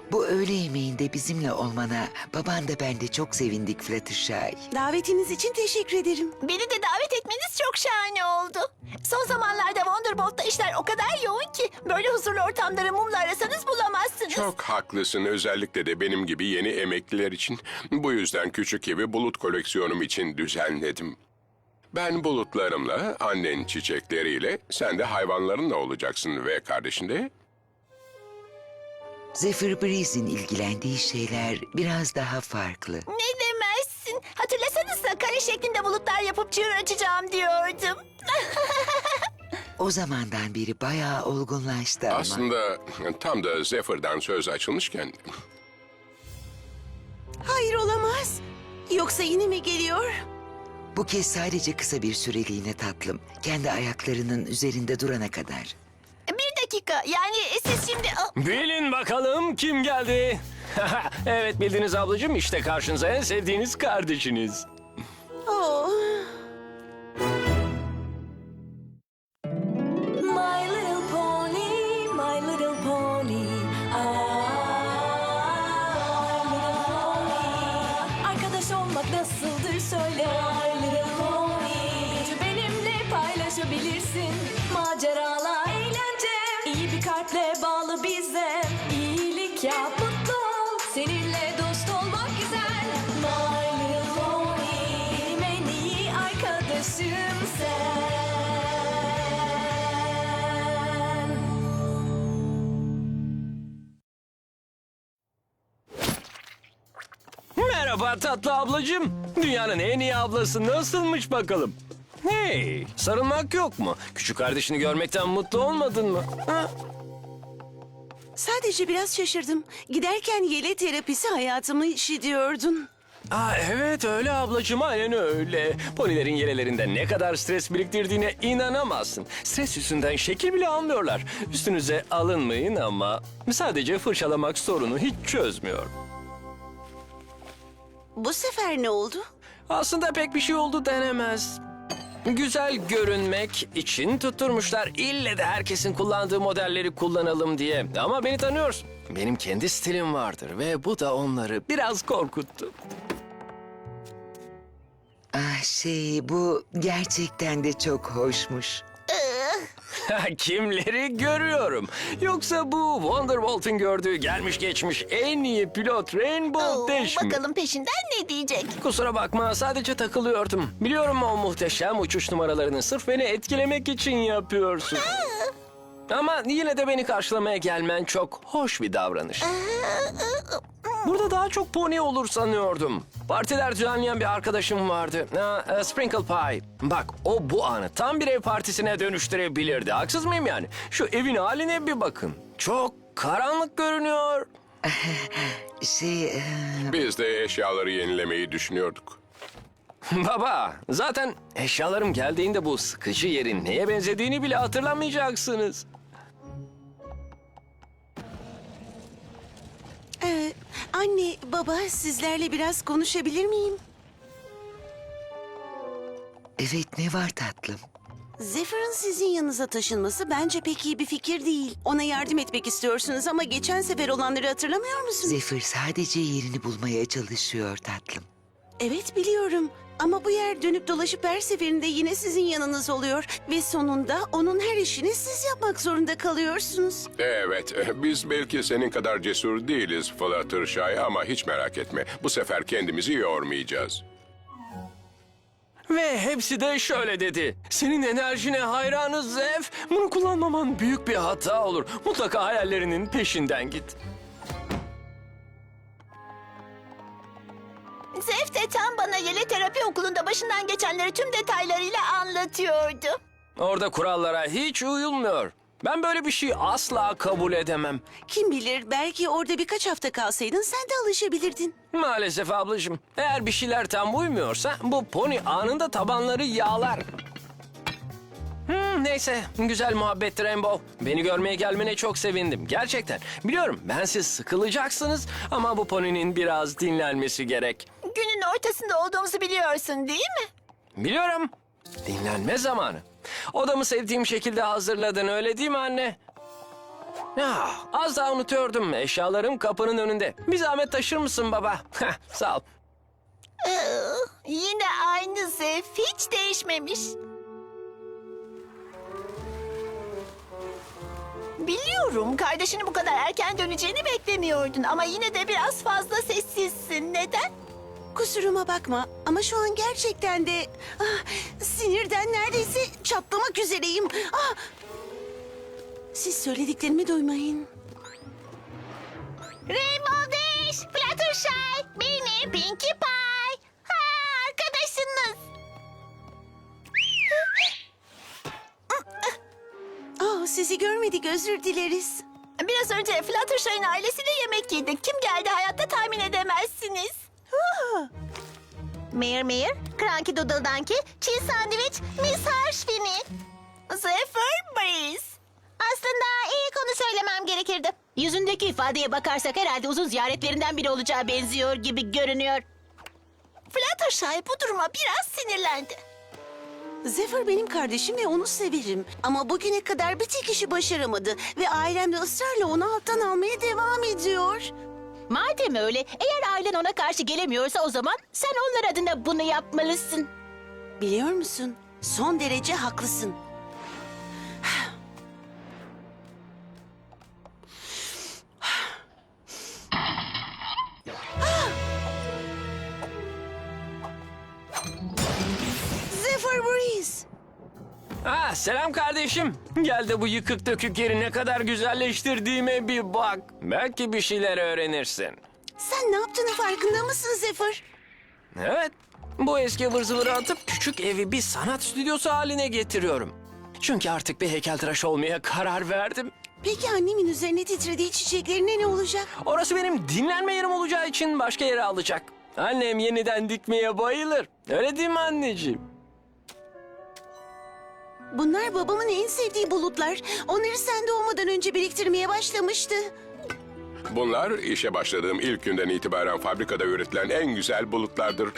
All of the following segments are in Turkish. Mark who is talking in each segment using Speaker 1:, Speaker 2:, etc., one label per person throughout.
Speaker 1: Bu öğle yemeğinde bizimle olmana baban da ben de çok sevindik Fluttershy.
Speaker 2: Davetiniz için teşekkür ederim.
Speaker 3: Beni de davet etmeniz çok şahane oldu. Son zamanlarda Wonderbolt'ta işler o kadar yoğun ki böyle huzurlu ortamları mumla arasanız bulamazsınız.
Speaker 4: Çok haklısın, özellikle de benim gibi yeni emekliler için. Bu yüzden küçük evi bulut koleksiyonum için düzenledim. Ben bulutlarımla, annen çiçekleriyle, sen de hayvanlarınla olacaksın ve kardeşin de...
Speaker 1: Zephyr Breeze'in ilgilendiği şeyler biraz daha farklı.
Speaker 3: Ne demezsin. Hatırlasanıza kare şeklinde bulutlar yapıp çığır açacağım diyordum.
Speaker 1: O zamandan beri bayağı olgunlaştı ama.
Speaker 4: Aslında tam da Zephyr'dan söz açılmışken...
Speaker 2: Hayır, olamaz. Yoksa yine mi geliyor?
Speaker 1: Bu kez sadece kısa bir süreliğine tatlım. Kendi ayaklarının üzerinde durana kadar.
Speaker 3: Bir dakika, yani siz şimdi...
Speaker 5: Bilin bakalım kim geldi? Evet bildiniz ablacığım, işte karşınıza en sevdiğiniz kardeşiniz.
Speaker 2: Oh.
Speaker 6: My little pony, my little pony. Ah, my little pony. Arkadaş olmak nasıldır söyle. My little pony. Gücü benimle paylaşabilirsin. Maceralar, eğlence. İyi bir kalple bağlı bize. İyilik yap, mutlu ol. Seninle dost olmak güzel. My little pony. Benim en iyi arkadaşım sen.
Speaker 5: Merhaba tatlı ablacığım. Dünyanın en iyi ablası nasılmış bakalım? Hey, sarılmak yok mu? Küçük kardeşini görmekten mutlu olmadın mı? Ha?
Speaker 2: Sadece biraz şaşırdım. Giderken yele terapisi hayatımı işi diyordun.
Speaker 5: Evet öyle ablacığım, aynen öyle. Ponilerin yelelerinde ne kadar stres biriktirdiğine inanamazsın. Stres yüzünden şekil bile almıyorlar. Üstünüze alınmayın ama sadece fırçalamak sorunu hiç çözmüyor.
Speaker 2: Bu sefer ne oldu?
Speaker 5: Aslında pek bir şey oldu denemez. Güzel görünmek için tutturmuşlar. İlle de herkesin kullandığı modelleri kullanalım diye. Ama beni tanıyorsun. Benim kendi stilim vardır ve bu da onları biraz korkuttu.
Speaker 1: Bu gerçekten de çok hoşmuş.
Speaker 5: Kimleri görüyorum? Yoksa bu Wonderbolt'un gördüğü gelmiş geçmiş en iyi pilot Rainbow Dash mi?
Speaker 3: Bakalım peşinden ne diyecek?
Speaker 5: Kusura bakma, sadece takılıyordum. Biliyorum o muhteşem uçuş numaralarını sırf beni etkilemek için yapıyorsun. Ama yine de beni karşılamaya gelmen çok hoş bir davranış. Burada daha çok pony olur sanıyordum. Partiler düzenleyen bir arkadaşım vardı. Sprinkle Pie. Bak o bu anı tam bir ev partisine dönüştürebilirdi. Haksız mıyım yani? Şu evin haline bir bakın. Çok karanlık görünüyor.
Speaker 4: Biz de eşyaları yenilemeyi düşünüyorduk.
Speaker 5: Baba, zaten eşyalarım geldiğinde bu sıkıcı yerin neye benzediğini bile hatırlamayacaksınız.
Speaker 2: Anne, baba, sizlerle biraz konuşabilir miyim?
Speaker 1: Evet, ne var tatlım?
Speaker 2: Zephyr'ın sizin yanınıza taşınması bence pek iyi bir fikir değil. Ona yardım etmek istiyorsunuz ama geçen sefer olanları hatırlamıyor musunuz?
Speaker 1: Zephyr sadece yerini bulmaya çalışıyor tatlım.
Speaker 2: Evet, biliyorum. Ama bu yer dönüp dolaşıp her seferinde yine sizin yanınız oluyor. Ve sonunda onun her işini siz yapmak zorunda kalıyorsunuz.
Speaker 4: Evet, biz belki senin kadar cesur değiliz Fluttershy ama hiç merak etme. Bu sefer kendimizi yormayacağız.
Speaker 5: Ve hepsi de şöyle dedi. Senin enerjine hayranız Zef. Bunu kullanmaman büyük bir hata olur. Mutlaka hayallerinin peşinden git.
Speaker 3: Zef de tam bana yele terapi okulunda başından geçenleri tüm detaylarıyla anlatıyordu.
Speaker 5: Orada kurallara hiç uyulmuyor. Ben böyle bir şey asla kabul edemem.
Speaker 2: Kim bilir, belki orada birkaç hafta kalsaydın sen de alışabilirdin.
Speaker 5: Maalesef ablacığım. Eğer bir şeyler tam uymuyorsa bu pony anında tabanları yağlar. Neyse, güzel muhabbet Rainbow. Beni görmeye gelmene çok sevindim. Gerçekten. Biliyorum bensiz sıkılacaksınız ama bu poninin biraz dinlenmesi gerek.
Speaker 3: Günün ortasında olduğumuzu biliyorsun değil mi?
Speaker 5: Biliyorum. Dinlenme zamanı. Odamı sevdiğim şekilde hazırladın öyle değil mi anne? Az daha unutuyordum. Eşyalarım kapının önünde. Bir zahmet taşır mısın baba? Sağ ol.
Speaker 3: Yine aynı Zef, hiç değişmemiş. Biliyorum, kardeşinin bu kadar erken döneceğini beklemiyordun ama yine de biraz fazla sessizsin. Neden?
Speaker 2: Kusuruma bakma ama şu an gerçekten de sinirden neredeyse çatlamak üzereyim. Siz söylediklerimi duymayın.
Speaker 3: Rainbow Dash, Fluttershy, beni Pinkie Pie. Arkadaşınız.
Speaker 2: Sizi görmedik, özür dileriz.
Speaker 3: Biraz önce Fluttershy'ın ailesiyle yemek yedik. Kim geldi hayatta tahmin edemezsiniz. Mayor, Cranky Doodle Donkey, Cheese Sandwich, Miss Harshfini. Zephyr Breeze. Aslında ilk onu söylemem gerekirdi.
Speaker 7: Yüzündeki ifadeye bakarsak herhalde uzun ziyaretlerinden biri olacağı benziyor gibi görünüyor.
Speaker 3: Fluttershy bu duruma biraz sinirlendi.
Speaker 2: Zephyr benim kardeşim ve onu severim. Ama bugüne kadar bir tek işi başaramadı. Ve ailem de ısrarla onu alttan almaya devam ediyor.
Speaker 7: Madem öyle, eğer ailen ona karşı gelemiyorsa o zaman sen onlar adına bunu yapmalısın.
Speaker 2: Biliyor musun? Son derece haklısın. Zephyr Breeze.
Speaker 5: Selam kardeşim. Gel de bu yıkık dökük yeri ne kadar güzelleştirdiğime bir bak. Belki bir şeyler öğrenirsin.
Speaker 2: Sen ne yaptığını farkında mısın Zephyr?
Speaker 5: Evet. Bu eski ıvır zıvırı atıp küçük evi bir sanat stüdyosu haline getiriyorum. Çünkü artık bir heykeltıraş olmaya karar verdim.
Speaker 2: Peki annemin üzerine titrediği çiçeklerine ne olacak?
Speaker 5: Orası benim dinlenme yerim olacağı için başka yere alacak. Annem yeniden dikmeye bayılır. Öyle değil mi anneciğim?
Speaker 2: Bunlar babamın en sevdiği bulutlar. Onları sen doğmadan önce biriktirmeye başlamıştı.
Speaker 4: Bunlar işe başladığım ilk günden itibaren fabrikada üretilen en güzel bulutlardır.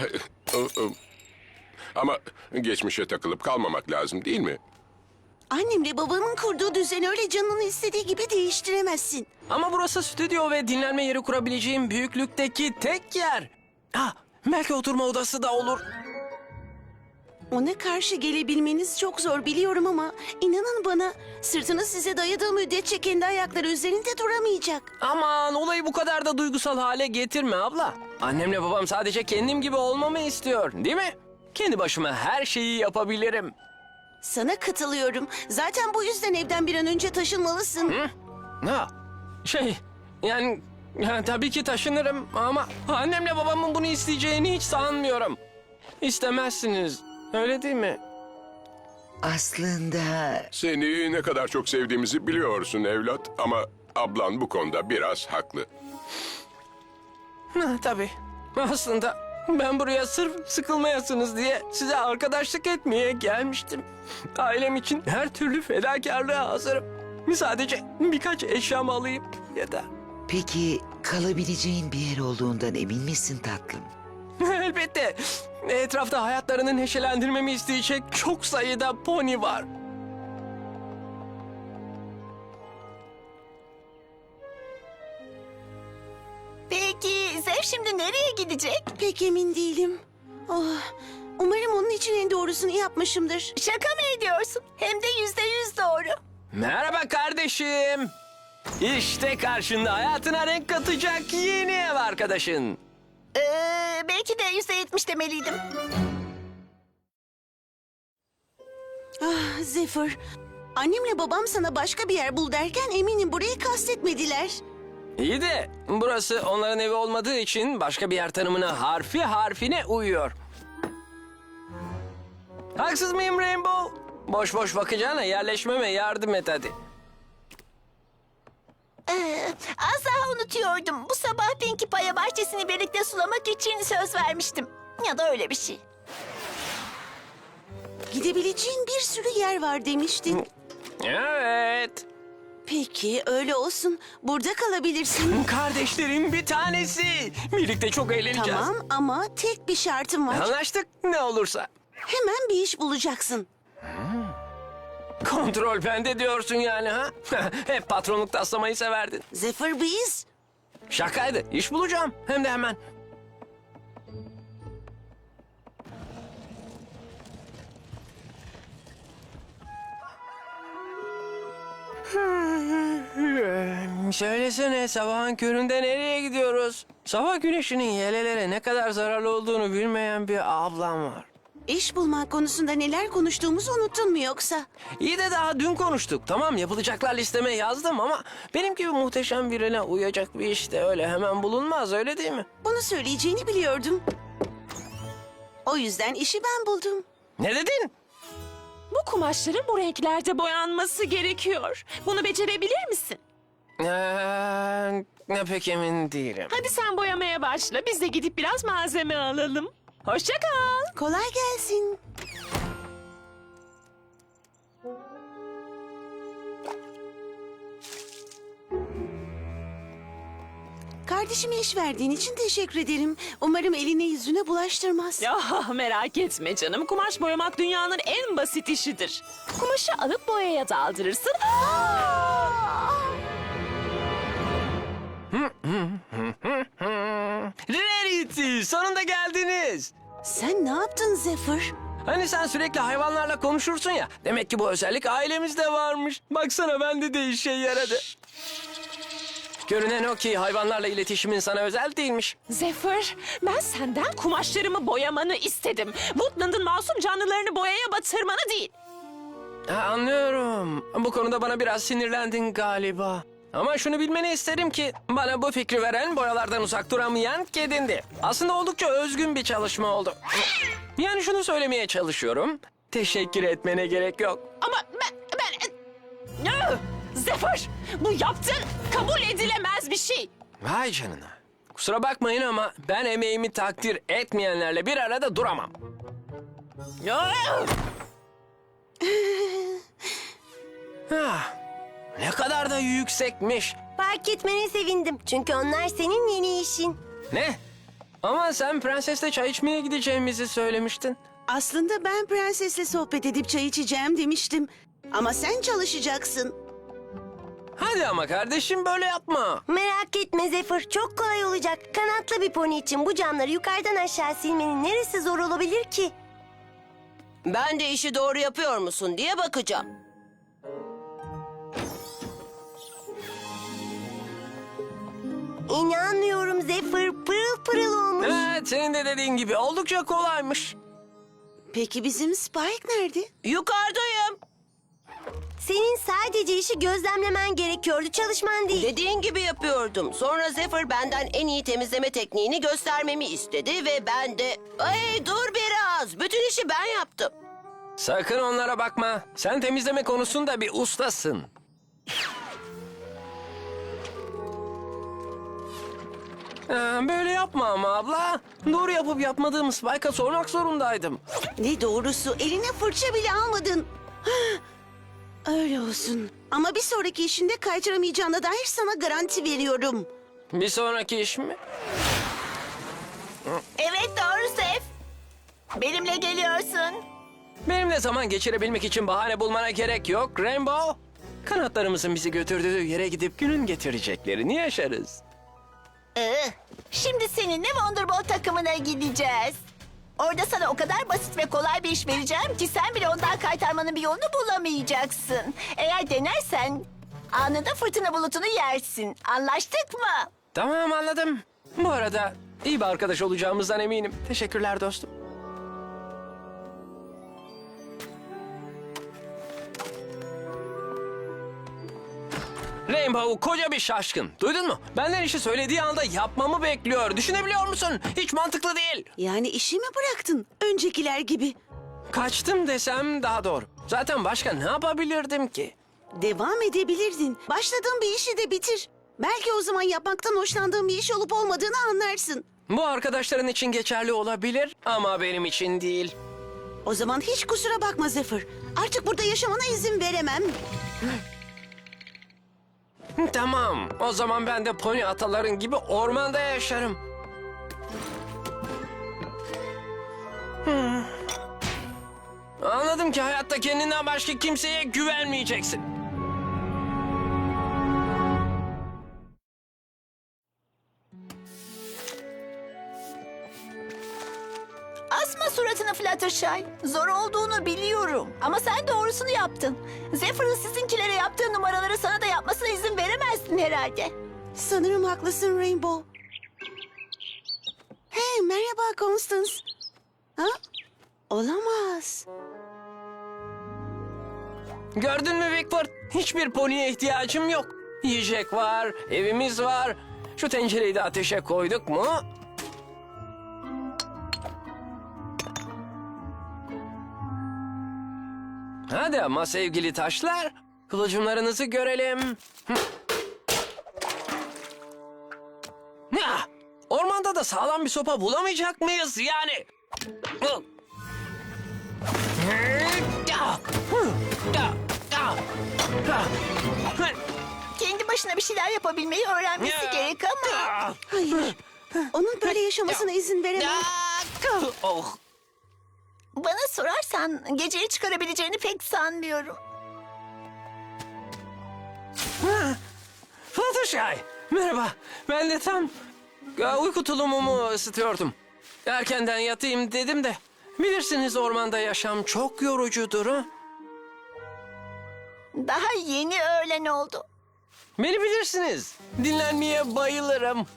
Speaker 4: Ama geçmişe takılıp kalmamak lazım değil mi?
Speaker 2: Annemle babamın kurduğu düzeni öyle canının istediği gibi değiştiremezsin.
Speaker 5: Ama burası stüdyo ve dinlenme yeri kurabileceğim büyüklükteki tek yer. Belki oturma odası da olur.
Speaker 2: Ona karşı gelebilmeniz çok zor biliyorum ama inanın bana sırtını size dayadığı müddetçe kendi ayakları üzerinde duramayacak.
Speaker 5: Aman olayı bu kadar da duygusal hale getirme abla. Annemle babam sadece kendim gibi olmamı istiyor, değil mi? Kendi başıma her şeyi yapabilirim.
Speaker 2: Sana katılıyorum. Zaten bu yüzden evden bir an önce taşınmalısın.
Speaker 5: Yani tabii ki taşınırım ama annemle babamın bunu isteyeceğini hiç sanmıyorum. İstemezsiniz, öyle değil mi?
Speaker 1: Aslında
Speaker 4: Seni ne kadar çok sevdiğimizi biliyorsun evlat ama ablan bu konuda biraz haklı.
Speaker 5: Tabii. Aslında ben buraya sırf sıkılmayasınız diye size arkadaşlık etmeye gelmiştim. Ailem için her türlü fedakarlığa hazırım. Sadece birkaç eşyamı alayım yeter.
Speaker 1: peki kalabileceğin bir yer olduğundan emin misin tatlım?
Speaker 5: Elbette. Etrafta hayatlarını neşelendirmemi isteyecek çok sayıda pony var.
Speaker 3: Peki Zef şimdi nereye gidecek?
Speaker 2: Pek emin değilim. Umarım onun için en doğrusunu yapmışımdır.
Speaker 3: Şaka mı ediyorsun? Hem de %100 doğru.
Speaker 5: Merhaba kardeşim. İşte karşında hayatına renk katacak yeni ev arkadaşın.
Speaker 3: Belki de %70 demeliydim.
Speaker 2: Zephyr, annemle babam sana başka bir yer bul derken eminim burayı kastetmediler.
Speaker 5: İyi de burası onların evi olmadığı için başka bir yer tanımına harfi harfine uyuyor. Haksız mıyım Rainbow? Boş boş bakacağına yerleşmeme yardım et hadi.
Speaker 3: Az daha unutuyordum. Bu sabah Pinkie Pie'ye bahçesini birlikte sulamak için söz vermiştim. Ya da öyle bir şey.
Speaker 2: Gidebileceğin bir sürü yer var demiştin.
Speaker 5: Evet.
Speaker 2: Peki öyle olsun. Burada kalabilirsin.
Speaker 5: Kardeşlerin bir tanesi. Birlikte çok eğleneceğiz.
Speaker 2: Tamam ama tek bir şartım var.
Speaker 5: Anlaştık ne olursa.
Speaker 2: Hemen bir iş bulacaksın.
Speaker 5: Kontrol bende diyorsun yani ha? Hep patronluk taslamayı severdin.
Speaker 2: Zephyr biz.
Speaker 5: Şakaydı. İş bulacağım. Hem de hemen. Söylesene sabahın köründe nereye gidiyoruz? Sabah güneşinin yelelere ne kadar zararlı olduğunu bilmeyen bir ablam var.
Speaker 2: İş bulmak konusunda neler konuştuğumuzu unuttun mu yoksa?
Speaker 5: İyi de daha dün konuştuk. Tamam yapılacaklar listeme yazdım ama benim gibi muhteşem birine uyacak bir iş de öyle hemen bulunmaz öyle değil mi?
Speaker 2: Bunu söyleyeceğini biliyordum. O yüzden işi ben buldum.
Speaker 5: Ne dedin?
Speaker 6: Bu kumaşların bu renklerde boyanması gerekiyor. Bunu becerebilir misin?
Speaker 5: Pek emin değilim.
Speaker 6: Hadi sen boyamaya başla. Biz de gidip biraz malzeme alalım. Hoşça kal.
Speaker 2: Kolay gelsin. Kardeşime iş verdiğin için teşekkür ederim. Umarım eline yüzüne bulaştırmaz.
Speaker 6: Ya merak etme canım. Kumaş boyamak dünyanın en basit işidir. Kumaşı alıp boyaya daldırırsın.
Speaker 5: Rarity, sonunda geldiniz.
Speaker 2: Sen ne yaptın Zephyr?
Speaker 5: Hani sen sürekli hayvanlarla konuşursun ya. Demek ki bu özellik ailemizde varmış. Baksana bende de işe yaradı. Görünen o ki hayvanlarla iletişimin sana özel değilmiş.
Speaker 6: Zephyr, ben senden kumaşlarımı boyamanı istedim. Woodland'ın masum canlılarını boyaya batırmanı değil.
Speaker 5: Anlıyorum. Bu konuda bana biraz sinirlendin galiba. Ama şunu bilmeni isterim ki bana bu fikri veren boyalardan uzak duramayan kedindi. Aslında oldukça özgün bir çalışma oldu. Yani şunu söylemeye çalışıyorum. Teşekkür etmene gerek yok.
Speaker 6: Ama ben... Zephyr, bu yaptığın kabul edilemez bir şey.
Speaker 5: Vay canına. Kusura bakmayın ama ben emeğimi takdir etmeyenlerle bir arada duramam. Ne kadar da yüksekmiş.
Speaker 3: Fark etmene sevindim. Çünkü onlar senin yeni işin.
Speaker 5: Ne? Ama sen prensesle çay içmeye gideceğimizi söylemiştin.
Speaker 2: Aslında ben prensesle sohbet edip çay içeceğim demiştim. Ama sen çalışacaksın.
Speaker 5: Hadi ama kardeşim böyle yapma.
Speaker 3: Merak etme Zephyr. Çok kolay olacak. Kanatlı bir pony için bu camları yukarıdan aşağı silmenin neresi zor olabilir ki?
Speaker 8: Ben de işi doğru yapıyor musun diye bakacağım.
Speaker 3: İnanmıyorum Zephyr. Pırıl pırıl olmuş.
Speaker 5: Evet senin de dediğin gibi oldukça kolaymış.
Speaker 2: Peki bizim Spike nerede?
Speaker 8: Yukarıdayım.
Speaker 3: Senin sadece işi gözlemlemen gerekiyordu. Çalışman değil.
Speaker 8: Dediğin gibi yapıyordum. Sonra Zephyr benden en iyi temizleme tekniğini göstermemi istedi ve ben de... Ay dur biraz. Bütün işi ben yaptım.
Speaker 5: Sakın onlara bakma. Sen temizleme konusunda bir ustasın. Böyle yapma ama abla. Doğru yapıp yapmadığım Spike'a sormak zorundaydım.
Speaker 2: Ne doğrusu eline fırça bile almadın. Öyle olsun. Ama bir sonraki işinde kaydıramayacağına dair sana garanti veriyorum.
Speaker 5: Bir sonraki iş mi?
Speaker 3: Evet doğru Zeph. Benimle geliyorsun.
Speaker 5: Benimle zaman geçirebilmek için bahane bulmana gerek yok Rainbow. Kanatlarımızın bizi götürdüğü yere gidip günün getireceklerini yaşarız.
Speaker 3: Şimdi seninle Wonderbolt takımına gideceğiz. Orada sana o kadar basit ve kolay bir iş vereceğim ki sen bile ondan kaytarmanın bir yolunu bulamayacaksın. Eğer denersen anında fırtına bulutunu yersin. Anlaştık mı?
Speaker 5: Tamam anladım. Bu arada iyi bir arkadaş olacağımızdan eminim. Teşekkürler dostum. Rainbow koca bir şaşkın. Duydun mu? Benden işi söylediği anda yapmamı bekliyor. Düşünebiliyor musun? Hiç mantıklı değil.
Speaker 2: Yani işi mi bıraktın? Öncekiler gibi.
Speaker 5: Kaçtım desem daha doğru. Zaten başka ne yapabilirdim ki?
Speaker 2: Devam edebilirdin. Başladığın bir işi de bitir. Belki o zaman yapmaktan hoşlandığın bir iş olup olmadığını anlarsın.
Speaker 5: Bu arkadaşların için geçerli olabilir ama benim için değil.
Speaker 2: O zaman hiç kusura bakma Zephyr. Artık burada yaşamana izin veremem.
Speaker 5: Tamam. O zaman ben de pony ataların gibi ormanda yaşarım. Anladım ki hayatta kendinden başka kimseye güvenmeyeceksin.
Speaker 3: Asma suratını Fluttershy. Zor olduğunu biliyorum. Ama sen doğrusunu yaptın. Zephyr'ın sizinkilere yaptığı numaraları sana da yapmasına izin veremezdin herhalde.
Speaker 2: Sanırım haklısın Rainbow. Hey, merhaba Constance. Ha? Olamaz.
Speaker 5: Gördün mü Wickford? Hiçbir poniye ihtiyacım yok. Yiyecek var, evimiz var. Şu tencereyi de ateşe koyduk mu? Hadi ama sevgili taşlar, kılıcımlarınızı görelim. Ya, ormanda da sağlam bir sopa bulamayacak mıyız yani?
Speaker 3: Kendi başına bir şeyler yapabilmeyi öğrenmesi gerek ama...
Speaker 2: Hayır. Onun böyle yaşamasına izin veremem.
Speaker 5: Oh.
Speaker 3: Bana sorarsan geceyi çıkarabileceğini pek sanmıyorum.
Speaker 5: Fluttershy, merhaba. Ben de tam uyku tulumumu ısıtıyordum. Erkenden yatayım dedim de. Bilirsiniz ormanda yaşam çok yorucudur ha.
Speaker 3: Daha yeni öğlen oldu.
Speaker 5: Beni bilirsiniz. Dinlenmeye bayılırım.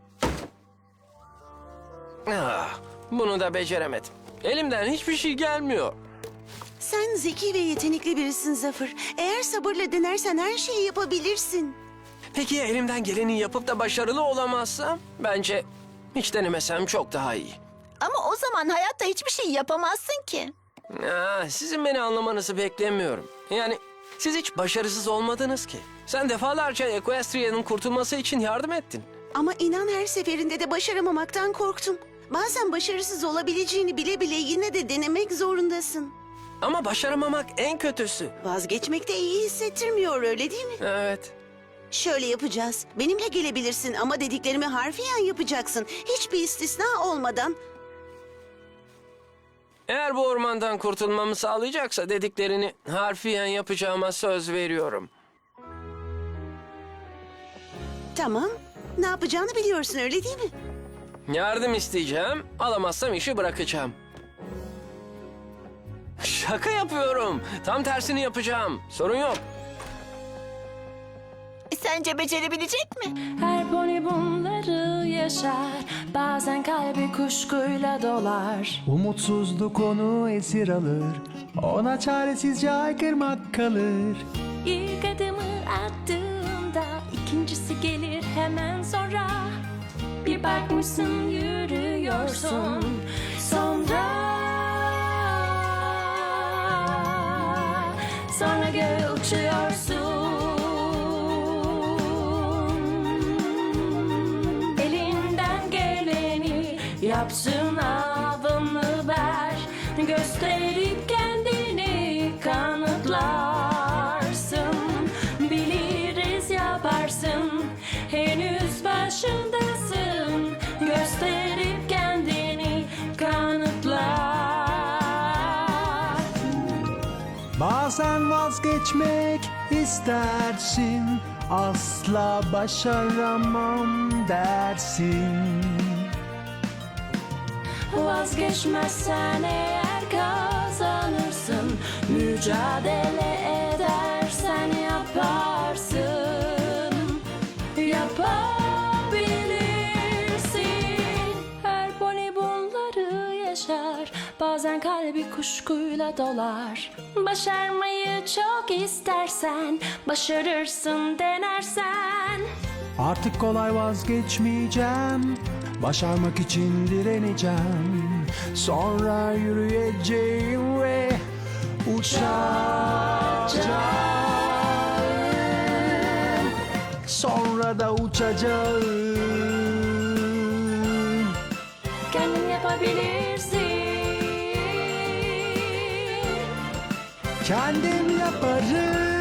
Speaker 5: Bunu da beceremedim. Elimden hiçbir şey gelmiyor.
Speaker 2: Sen zeki ve yetenekli birisin Zephyr. Eğer sabırla denersen her şeyi yapabilirsin.
Speaker 5: Peki ya elimden geleni yapıp da başarılı olamazsam? Bence hiç denemesem çok daha iyi.
Speaker 3: Ama o zaman hayatta hiçbir şey yapamazsın ki.
Speaker 5: Sizin beni anlamanızı beklemiyorum. Yani siz hiç başarısız olmadınız ki. Sen defalarca Equestria'nın kurtulması için yardım ettin.
Speaker 2: Ama inan her seferinde de başaramamaktan korktum. Bazen başarısız olabileceğini bile bile yine de denemek zorundasın.
Speaker 5: Ama başaramamak en kötüsü.
Speaker 2: Vazgeçmek de iyi hissettirmiyor, öyle değil mi?
Speaker 5: Evet.
Speaker 2: Şöyle yapacağız. Benimle gelebilirsin ama dediklerimi harfiyen yapacaksın. Hiçbir istisna olmadan.
Speaker 5: Eğer bu ormandan kurtulmamı sağlayacaksa dediklerini harfiyen yapacağıma söz veriyorum.
Speaker 2: Tamam. Ne yapacağını biliyorsun, öyle değil mi?
Speaker 5: Yardım isteyeceğim, alamazsam işi bırakacağım. Şaka yapıyorum. Tam tersini yapacağım. Sorun yok.
Speaker 3: Sence becerebilecek mi?
Speaker 6: Her pony bunları yaşar. Bazen kalbi kuşkuyla dolar.
Speaker 9: Umutsuzluk onu esir alır. Ona çaresizce haykırmak kalır.
Speaker 6: İlk adımı attığında ikincisi gelir hemen sonra. Bir bakmışsın yürüyorsun sonra göğe uçuyorsun. Elinden geleni yapsın, avını ver. Gösterip kendini kanıtlarsın. Biliriz yaparsın, henüz başındasın. Gösterip kendini kanıtlar.
Speaker 9: Bazen vazgeçmek istersin. Asla başaramam dersin.
Speaker 6: Vazgeçmezsen eğer kazanırsın. Mücadele edersen yaparsın. Yapabilirsin. Her pony bunları yaşar. Bazen kalbi kuşkuyla dolar. Başarmayı çok istersen başarırsın denersen.
Speaker 9: Artık kolay vazgeçmeyeceğim. Başarmak için direneceğim. Sonra yürüyeceğim ve uçacağım. Sonra da uçacağım.
Speaker 6: Kendin yapabilirsin.
Speaker 9: Kendim yaparım.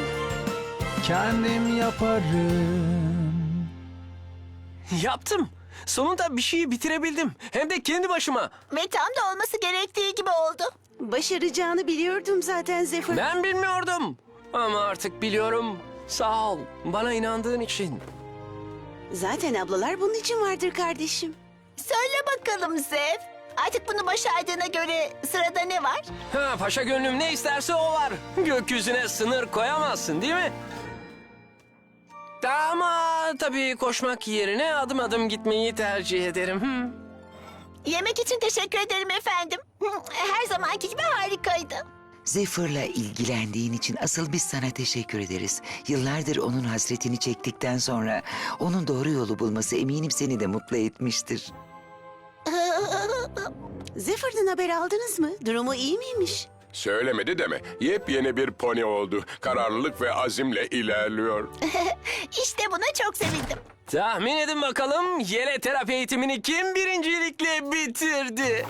Speaker 9: Kendim yaparım.
Speaker 5: Yaptım. Sonunda bir şeyi bitirebildim. Hem de kendi başıma.
Speaker 3: Ve tam da olması gerektiği gibi oldu.
Speaker 2: Başaracağını biliyordum zaten Zephyr.
Speaker 5: Ben bilmiyordum. Ama artık biliyorum. Sağ ol. Bana inandığın için.
Speaker 2: Zaten ablalar bunun için vardır kardeşim.
Speaker 3: Söyle bakalım Zev. Artık bunu başardığına göre sırada ne var?
Speaker 5: Ha, paşa gönlüm ne isterse o var. Gökyüzüne sınır koyamazsın değil mi? Ama tabii koşmak yerine adım adım gitmeyi tercih ederim.
Speaker 3: Yemek için teşekkür ederim efendim. Her zamanki gibi harikaydı.
Speaker 1: Zephyr'la ilgilendiğin için asıl biz sana teşekkür ederiz. Yıllardır onun hasretini çektikten sonra onun doğru yolu bulması eminim seni de mutlu etmiştir.
Speaker 2: Zephyr'dan haber aldınız mı? Durumu iyi miymiş?
Speaker 4: Söylemedi deme. Yepyeni bir pony oldu. Kararlılık ve azimle ilerliyor.
Speaker 3: İşte buna çok sevindim.
Speaker 5: Tahmin edin bakalım yele terapi eğitimini kim birincilikle bitirdi?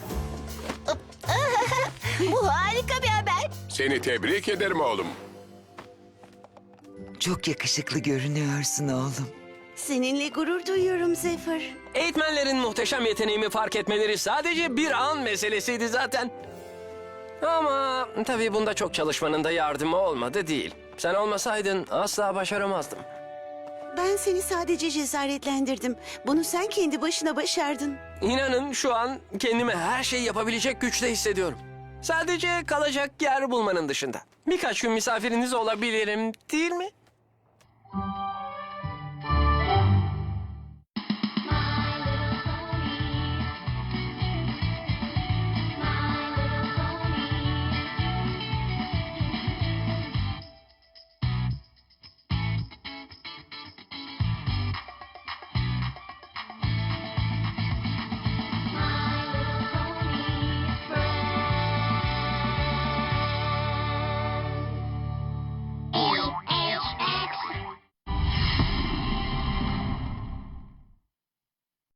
Speaker 3: Bu harika bir haber.
Speaker 4: Seni tebrik ederim oğlum.
Speaker 1: Çok yakışıklı görünüyorsun oğlum.
Speaker 2: Seninle gurur duyuyorum Zephyr.
Speaker 5: Eğitmenlerin muhteşem yeteneğimi fark etmeleri sadece bir an meselesiydi zaten. Ama tabii bunda çok çalışmanın da yardımı olmadı değil. Sen olmasaydın asla başaramazdım.
Speaker 2: Ben seni sadece cesaretlendirdim. Bunu sen kendi başına başardın.
Speaker 5: İnanın şu an kendimi her şeyi yapabilecek güçte hissediyorum. Sadece kalacak yer bulmanın dışında. Birkaç gün misafiriniz olabilirim, değil mi?